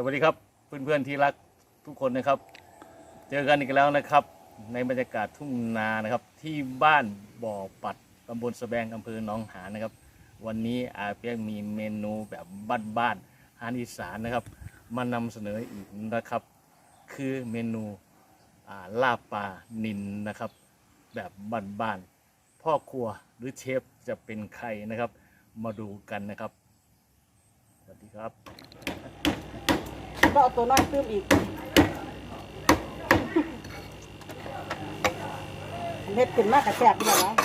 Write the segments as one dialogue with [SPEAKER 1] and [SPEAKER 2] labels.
[SPEAKER 1] วัสดีครับเพื่อนๆที่รักทุกคนนะครับเจอกันอีกแล้วนะครับในบรรยากาศทุ่งนานะครับที่บ้านบ่อปัดตำบลสะแบงอำเภอหนองหานนะครับวันนี้อาเปียกมีเมนูแบบบ้านๆอาหารอีสานนะครับมานำเสนออีกนะครับคือเมนูลาบปลานิลนะครับแบบบ้านๆพ่อครัวหรือเชฟจะเป็นใครนะครับมาดูกันนะครับสวัสดีครับ
[SPEAKER 2] ก็เอาตัวน้อยตื้มอีกเฮ็ดขึ้นมากกระแสบอยู่แล้ว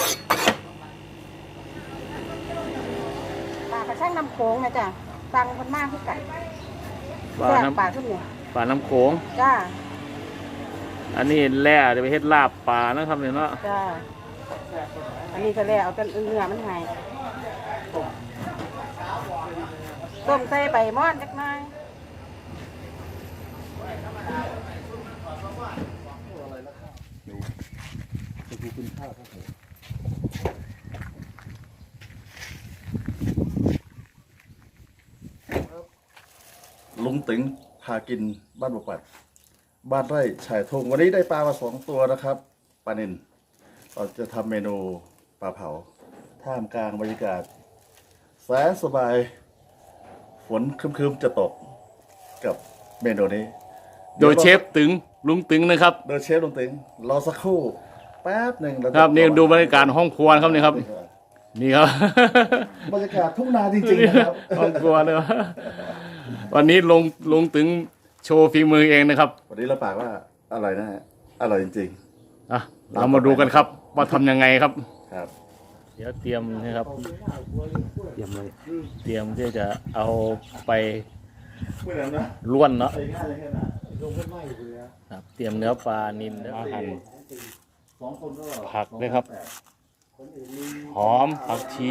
[SPEAKER 2] ปลากระช่างน้ำโขงนะจ๊ะตังคนมากที่ไก่แซ่บปลาขึ้นเนี่ย
[SPEAKER 1] ปลาน้ำโขง
[SPEAKER 2] จ้า
[SPEAKER 1] อันนี้แร่จะไปเฮ็ดลาบปลานะครับเนี่ยเนาะ
[SPEAKER 2] จ้าอันนี้ก็แล้วเอาแต่เนื้อมันไงต้มใส่ใบม่อนจักหน่อย
[SPEAKER 3] ลุงตึงพากินบ้านบกปัดบ้านไร่ชายทงวันนี้ได้ปลามา2 ตัวนะครับปลานิลเราจะทำเมนูปลาเผาท่ามกลางบรรยากาศแสนสบายฝนครึมๆจะตกกับเมนูนี้
[SPEAKER 1] โดยเชฟตึงลุงตึงนะครับ
[SPEAKER 3] โดยเชฟลุงตึงรอสักครู่แป๊บหนึ่ง
[SPEAKER 1] ครับนี่ดูบรรยากาศห้องครัวครับนี่ครับนี่ครับ
[SPEAKER 3] บรรยากาศทุ่งนาจริงๆนะครับ
[SPEAKER 1] ห้องครัวเลยวันนี้ลุงตึงโชว์ฝีมือเองนะครับ
[SPEAKER 3] วันนี้เราปากว่าอร่อยนะฮะอร่อยจริง
[SPEAKER 1] ๆเรามาดูกันครับว่าทำยังไงครับ
[SPEAKER 3] ครับ
[SPEAKER 1] เดี๋ยวเตรียมนะครับเตรียมเลยเตรียมที่จะเอาไปล้วนเนาะครับเตรียมเนื้อปลานิลอาหารผักด้วยครับหอมผักชี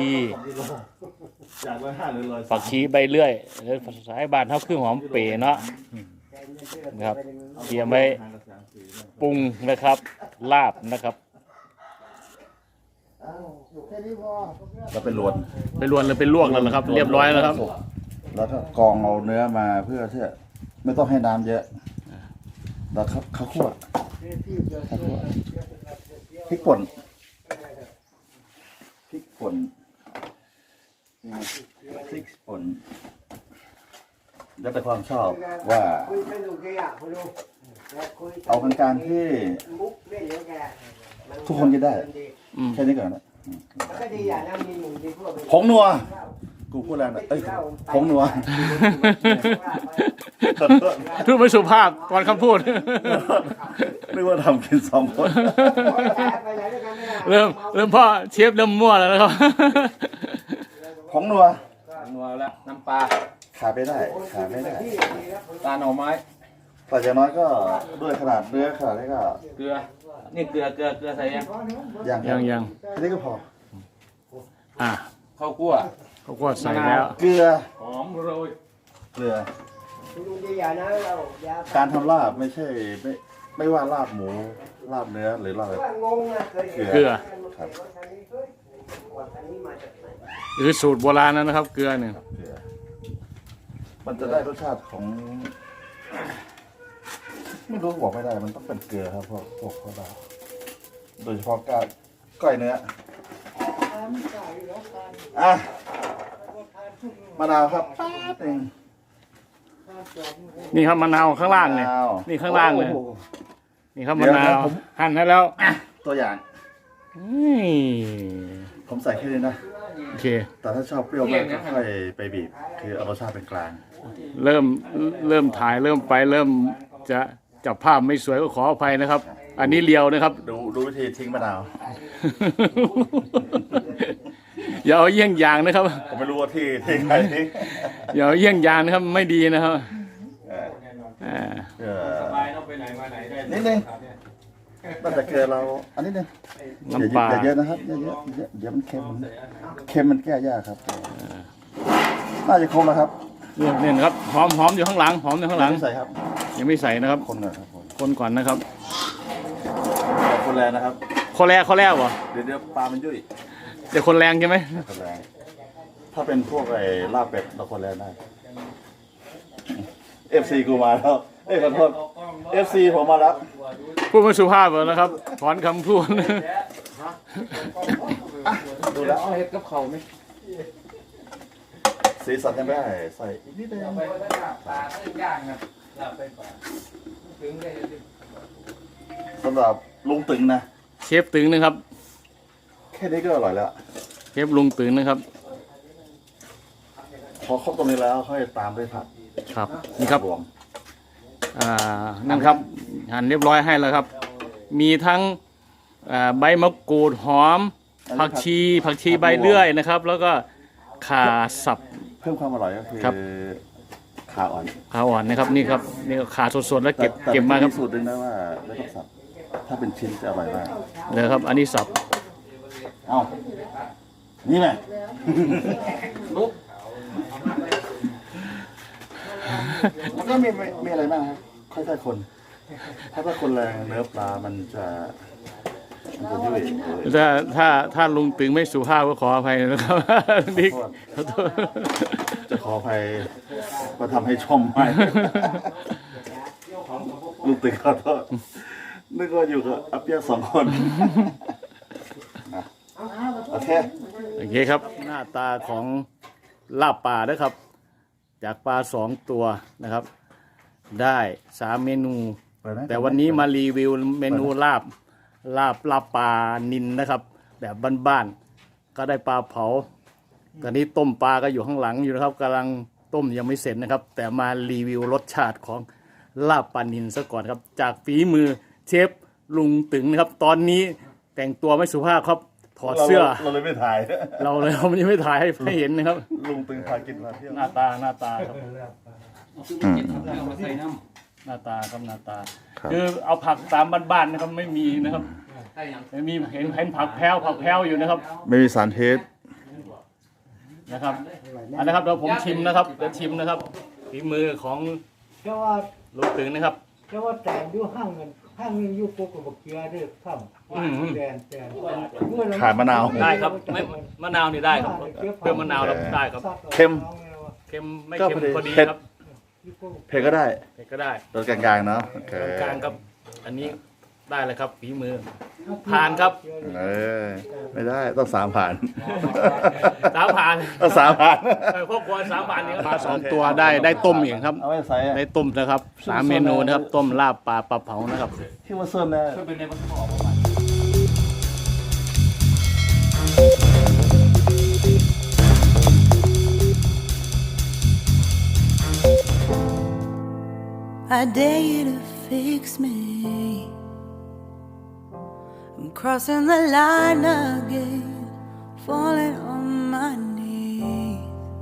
[SPEAKER 1] ใบเลื่อยหรือภาษาบ้านเท่าคือหอมเป๋เนาะนะครับเตรียมไว้ปรุงนะครับลาบนะครับ
[SPEAKER 3] เราเป็นลวน
[SPEAKER 1] หรือเป็นลวกแล้วนะครับเรียบร้อยแล้วครับ
[SPEAKER 3] แล้วก็กรองเอาเนื้อมาเพื่อที่ไม่ต้องให้น้ำเยอะแล้วข้าวคั่วพริกป่นแล้วแต่ความชอบว่าเอากลางๆที่ทุกคนกินได้แค่นี้ก่อนนะผงนัวกูพูดแล้วนะผงนัว
[SPEAKER 1] พูดไม่สุภาพตอนคำพูด
[SPEAKER 3] นึกว่าทำกิน2 คน
[SPEAKER 1] เริ่มพ่อเชฟเริ่มมั่วแล้วนะครับ
[SPEAKER 3] ผงนัว
[SPEAKER 4] แล้วน้ำปลา
[SPEAKER 3] ขาดไม่ได้
[SPEAKER 4] ตาหน่อไม้
[SPEAKER 3] แต่อย่างน้อยก็ด้วยขนาดเนื้อขนาดนี้ก็
[SPEAKER 4] เกลือนี่เกลือใส่
[SPEAKER 1] ยัง
[SPEAKER 3] แค่นี้ก็พอ
[SPEAKER 4] ข้าวคั่ว
[SPEAKER 1] ใส่แล้ว
[SPEAKER 3] เกลือ
[SPEAKER 4] หอมโรย
[SPEAKER 3] เกลือการทำลาบไม่ใช่ไม่ว่าลาบหมูลาบเนื้อหรือลาบ
[SPEAKER 1] เกลือ
[SPEAKER 3] ครับ
[SPEAKER 1] หรือสูตรโบราณนะครับเกลือเนี่ย
[SPEAKER 3] มันจะได้รสชาติของไม่รู้บอกไม่ได้มันต้องเป็นเกลือครับพวกเราโดยเฉพาะก้อยเนื้อมะนาวครับแป๊บนึง
[SPEAKER 1] นี่ครับมะนาวข้างล่างเนี่ยนี่ข้างล่างเลยนี่ครับมะนาวหั่นให้แล้ว
[SPEAKER 3] ตัวอย่างผมใส่แค่นี้นะ
[SPEAKER 1] โอเค
[SPEAKER 3] แต่ถ้าชอบเปรี้ยวมากก็ค่อยไปบีบคือเอารสชาติเป็นกลาง
[SPEAKER 1] เริ่มถ่ายเริ่มจะจับภาพไม่สวยก็ขออภัยนะครับอันนี้เลียวนะครับ
[SPEAKER 3] ดูวิธีทิ้งมะนาว
[SPEAKER 1] อย่าเอาเยี่ยงอย่างนะครับ
[SPEAKER 3] ผมไม่รู้ว่าที่ใคร
[SPEAKER 1] อย่าเอาเยี่ยงอย่างนะครับไม่ดีนะครับ
[SPEAKER 4] สบายต้องไปไหนมาไหนได้
[SPEAKER 3] นิดนึงตั้งแต่เกิดเราอันนี้นึง
[SPEAKER 1] น้ำปลา
[SPEAKER 3] เยอะนะครับเยอะมันเค็มมันแก้ยากครับน่าจะครบแล้วครับ
[SPEAKER 1] เนี่ยครับหอมอยู่ข้างหลังไม่
[SPEAKER 3] ใส่ครับ
[SPEAKER 1] ยังไม่ใส่นะครับคนก่อนนะครับ
[SPEAKER 3] คนแรงนะครับ
[SPEAKER 1] คนแรกวะ
[SPEAKER 3] เดี๋ยวปลามันยุ่ย
[SPEAKER 1] เดี๋ยวคนแรงใช่ไหม
[SPEAKER 3] คนแรงถ้าเป็นพวกลาบเป็ดเราคนแรงได้ FC กูมาแล้วขอโทษ FC ผมมาแล้ว
[SPEAKER 1] พูดไม่สุภาพเลยนะครับถอนคำพูด
[SPEAKER 3] ดูแล้ว
[SPEAKER 4] เอาเห็ดกับเขาไหม
[SPEAKER 3] สีสันยังไม่ได้ใส่อีกนิดนึง
[SPEAKER 4] ไปปลาต้มย่างครับลาบไปปลาถึงได้
[SPEAKER 3] สำหรับลุงตึงนะ
[SPEAKER 1] เชฟตึงนะครับ
[SPEAKER 3] แค่นี้ก็อร่อยแล้ว
[SPEAKER 1] เชฟลุงตึงนะครับ
[SPEAKER 3] พอครบตรงนี้แล้วค่อยตามด้วยผัก
[SPEAKER 1] ครับนี่ครับ
[SPEAKER 3] รวม
[SPEAKER 1] นั่นครับหั่นเรียบร้อยให้แล้วครับ มีทั้งใบมะกรูดหอมผักชีใบเลื่อยนะครับ แล้วก็ข่าสับ
[SPEAKER 3] เพิ่มความอร่อยก็คือ
[SPEAKER 1] ครับ
[SPEAKER 3] ขาอ่อน
[SPEAKER 1] ขาอ่อนนะครับนี่ครับนี่ก็ขาสดๆแล้วเก็บ
[SPEAKER 3] แต่
[SPEAKER 1] เก็บมาครับ
[SPEAKER 3] สูตรดึงนะว่าไม่ต้องสับถ้าเป็นชิ้นจะอร่อยมาก
[SPEAKER 1] เลยครับ อันนี้สับ
[SPEAKER 3] เอ้านี่ไง
[SPEAKER 4] ลุก
[SPEAKER 3] มันก็มีอะไรบ้างครับค่อยๆคน ถ้าคนแรงเนื้อปลามันจะยุ่ย
[SPEAKER 1] ถ้าลุงตึงไม่สุภาพก็ขออภัยนะครับ นี่ขอโทษ
[SPEAKER 3] จะขออภัยมาทำให้ชมใหม่ลูกตึงขอโทษนึกว่าอยู่กับอาเปียสองคนอ่ะโอเค
[SPEAKER 1] โอเคครับ หน้าตาของลาบป่านะครับ จากปลา2 ตัวนะครับ ได้3 เมนู แต่วันนี้มารีวิวเมนูลาบปลานิลนะครับ แบบบ้านๆก็ได้ปลาเผาตอนนี้ต้มปลาก็อยู่ข้างหลังอยู่นะครับกำลังต้มยังไม่เสร็จนะครับ แต่มารีวิวรสชาติของลาบปลานิลซะก่อนครับ จากฝีมือเชฟลุงตึงนะครับ ตอนนี้แต่งตัวไม่สุภาพครับถอดเสื้อ
[SPEAKER 3] เราเลยไม่ถ่าย
[SPEAKER 1] เรายังไม่ถ่ายให้เห็นนะครับ
[SPEAKER 3] ลุงตึงพากินมาเที่ยว
[SPEAKER 1] หน้าตาครับ
[SPEAKER 4] มาใส่น้
[SPEAKER 1] หน้าตาครับหน้าตา คือเอาผักตามบ้านๆนะครับไม่มีนะครับ
[SPEAKER 4] ำได้ยัง
[SPEAKER 1] ไม่มีเห็นผักแพ้วอยู่นะครับ
[SPEAKER 3] ไม่มีสารพิษ
[SPEAKER 1] นะครับอันนะครับเดี๋ยวผมชิมนะครับเดี๋ยวชิมนะครับฝีมือของ
[SPEAKER 5] เพราะว่า
[SPEAKER 1] ลุงตึงนะครับ
[SPEAKER 5] เพราะว่าแต่งอยู่ห้างเงินห้างนึงอยู่โกกบกเกลือเด้อข้ามแต่
[SPEAKER 3] ขาดมะนาว
[SPEAKER 1] ได้ครับไม่มะนาวนี่ได้ครับเพิ่มมะนาวเราได้ครับ
[SPEAKER 3] เค็ม
[SPEAKER 1] เค็มไม่
[SPEAKER 3] ก็
[SPEAKER 1] เค็ม
[SPEAKER 3] พอดี
[SPEAKER 1] พอดี
[SPEAKER 3] เผ็ด
[SPEAKER 1] ครับ
[SPEAKER 3] เผ็ดก็ได้
[SPEAKER 1] เผ็ดก็ได้
[SPEAKER 3] รสกลางๆเนาะโอเค
[SPEAKER 1] กลางครับ อันนี้ได้เลยครับฝีมือผ่านครับ
[SPEAKER 3] เออไม่ได้ต้อง3 ผ่าน
[SPEAKER 1] 3 ผ่าน
[SPEAKER 3] ต้อง3 ผ่าน
[SPEAKER 1] ครอบครัว3 ผ่านนี่ครับปลา2 ตัวได้ต้มอีกครับ
[SPEAKER 3] เอาไว้ใส่อะ
[SPEAKER 1] ได้ต้มนะครับ3 เมนูนะครับต้มลาบปลาเผานะครับ
[SPEAKER 3] ที่ว่าส้นนะ
[SPEAKER 4] เป็นในมันออกมา
[SPEAKER 6] I dare you to fix me. I'm crossing the line again, falling on my knees.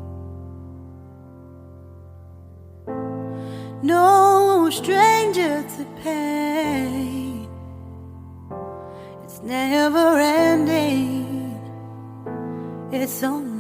[SPEAKER 6] No stranger to pain, it's never ending, it's only